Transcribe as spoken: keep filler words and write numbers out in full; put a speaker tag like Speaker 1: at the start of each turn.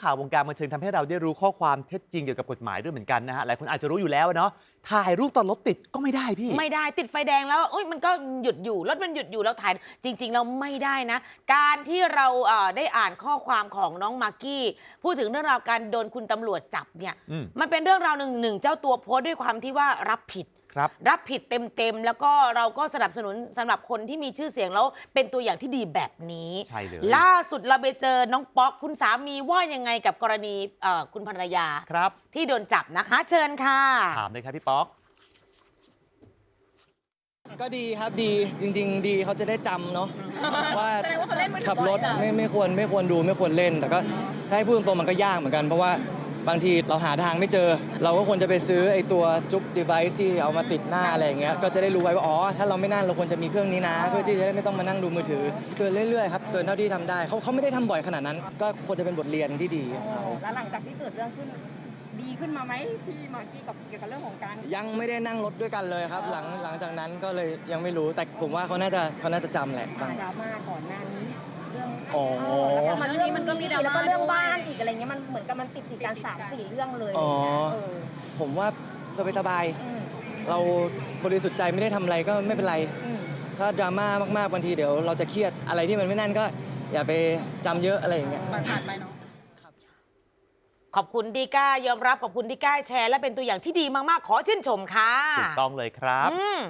Speaker 1: ข่าววงการบันเทิงทำให้เราได้รู้ข้อความเท็จจริงเกี่ยวกับกฎหมายด้วยเหมือนกันนะฮะหลายคนอาจจะรู้อยู่แล้วเนาะถ่ายรูปตอนรถติดก็ไม่ได้พี่
Speaker 2: ไม่ได้ติดไฟแดงแล้วโอ้ยมันก็หยุดอยู่รถมันหยุดอยู่แล้วถ่ายจริงๆเราไม่ได้นะการที่เราเอ่อได้อ่านข้อความของน้องมากกี้พูดถึงเรื่องราวการโดนคุณตำรวจจับเนี่ยมันเป็นเรื่องราวหนึ่งหนึ่งเจ้าตัวโพสต์ด้วยความที่ว่ารับผิด
Speaker 1: รับ
Speaker 2: รับผิดเต็มๆแล้วก็เราก็สนับสนุนสำหรับคนที่มีชื่อเสียงแล้วเป็นตัวอย่างที่ดีแบบนี้
Speaker 1: ใช่เลย
Speaker 2: ล่าสุดเราไปเจอน้องป๊อกคุณสามีว่ายังไงกับกรณีคุณภรรยา
Speaker 1: ครับ
Speaker 2: ที่โดนจับนะคะเชิญค่ะ
Speaker 1: ถามเลยครับพี่ป๊อก
Speaker 3: ก็ดีครับดีจริงๆดีเขาจะได้จำเนาะว่าขับรถไม่ไม่ควรไม่ควรดูไม่ควรเล่น แต่ก็ถ้าให้พูดตรงๆมันก็ยากเหมือนกันเพราะว่าบางทีเราหาทางไม่เจอเราก็ควรจะไปซื้อไอ้ตัวจุ๊บ device ที่เอามาติดหน้าอะไรอย่างเงี้ยก็จะได้รู้ไว้ว่าอ๋อถ้าเราไม่นั่งเราควรจะมีเครื่องนี้นะเพื่อที่จะได้ไม่ต้องมานั่งดูมือถือเตือนเรื่อยๆครับเตือนเท่าที่ทำได้เขาเขาไม่ได้ทำบ่อยขนาดนั้นก็ควรจะเป็นบทเรียนที่ดีของเขา
Speaker 4: แล้วหลังจากที่เกิดเรื่องขึ้นดีขึ้นมาไหมพี่มากกี้กับเกี่ยวกับเรื่องของการ
Speaker 3: ยังไม่ได้นั่งรถด้วยกันเลยครับหลังหลังจากนั้นก็เลยยังไม่รู้แต่ผมว่าเขาน่าจะเขาน่าจะจำแหละ
Speaker 4: ดราม่าก่อนหน้านี้เรื่อง
Speaker 3: อ๋อ
Speaker 4: แล้วมันเรื่องมันก็มีแล้วก็เรื่องบ้านอีกอะไรเงี้ยมันเหมือนกับมันติดติดกันสามสี่เรื่องเลย
Speaker 3: อ๋อผมว่าสบายสบายเราบริสุทธิ์ใจไม่ได้ทำอะไรก็ไม่เป็นไรถ้าดราม่ามากๆบางทีเดี๋ยวเราจะเครียดอะไรที่มันไม่นั่นก็อย่าไปจำเยอะอะไรอย่างเงี้ย
Speaker 4: ผ่านไปเนาะ
Speaker 2: ขอบคุณดีก้ายอมรับขอบคุณดีก้าแชร์และเป็นตัวอย่างที่ดีมากๆขอชื่นชมค่ะ
Speaker 1: ถูกต้องเลยครับ